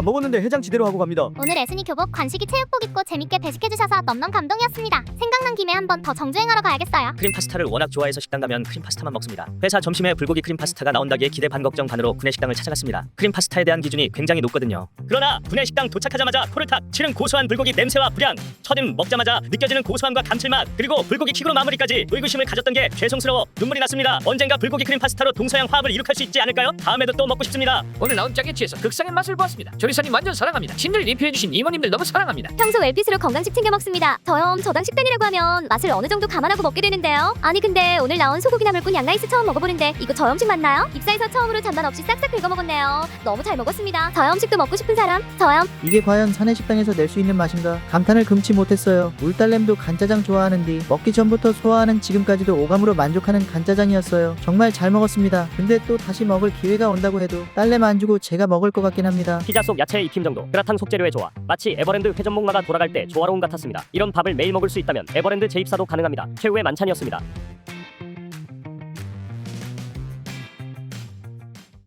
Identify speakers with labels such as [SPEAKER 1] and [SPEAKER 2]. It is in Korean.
[SPEAKER 1] 먹었는데 해장 지대로 하고 갑니다.
[SPEAKER 2] 오늘 애순이 교복 관식이 체육복 입고 재밌게 배식해주셔서 넘넘 감동이었습니다. 생각난 김에 한번 더 정주행하러 가야겠어요.
[SPEAKER 3] 크림 파스타를 워낙 좋아해서 식당 가면 크림 파스타만 먹습니다. 회사 점심에 불고기 크림 파스타가 나온다기에 기대 반 걱정 반으로 구내식당을 찾아갔습니다. 크림 파스타에 대한 기준이 굉장히 높거든요. 그러나 구내식당 도착하자마자 코를 탁 치는 고소한 불고기 냄새와 불향, 첫입 먹자마자 느껴지는 고소함과 감칠맛, 그리고 불고기 킥으로 마무리까지 의구심을 가졌던 게 죄송스러워 눈물이 났습니다. 언젠가 불고기 크림 파스타로 동서양 화합을 이룩할 수 있지 않을까요? 다음에도 또 먹고 싶습니다.
[SPEAKER 4] 오늘 나온 짜게치에서 극상의 맛을 보았습니다. 조리사님 완전 사랑합니다. 친절 리뷰해주신 이모님들 너무 사랑합니다.
[SPEAKER 2] 평소 웰핏으로 건강식 챙겨 먹습니다. 저당 식단이라고 하면 맛을 어느 정도 감안하고 먹게 되는데요. 아니 근데 오늘 나온 소고기 나물꾼 양라이스 처음 먹어보는데 이거 저염식 맞나요? 입사에서 처음으로 잔반 없이 싹싹 긁어 먹었네요. 너무 잘 먹었습니다. 저염식도 먹고 싶은 사람? 저염.
[SPEAKER 5] 이게 과연 사내식당에서 낼 수 있는 맛인가? 감탄을 금치 못했어요. 울딸램도 간짜장 좋아하는데 먹기 전부터 소화하는 지금까지도 오감으로 만족하는 간짜장이었어요. 정말 잘 먹었습니다. 근데 또 다시 먹을 기회가 온다고 해도 딸램 안 주고 제가 먹을 것 같긴 합니다.
[SPEAKER 6] 피자 속 야채의 익힘 정도, 그라탕 속재료의 조화, 마치 에버랜드 회전목마가 돌아갈 때 조화로움 같았습니다. 이런 밥을 매일 먹을 수 있다면 에버랜드 재입사도 가능합니다. 최후의 만찬이었습니다.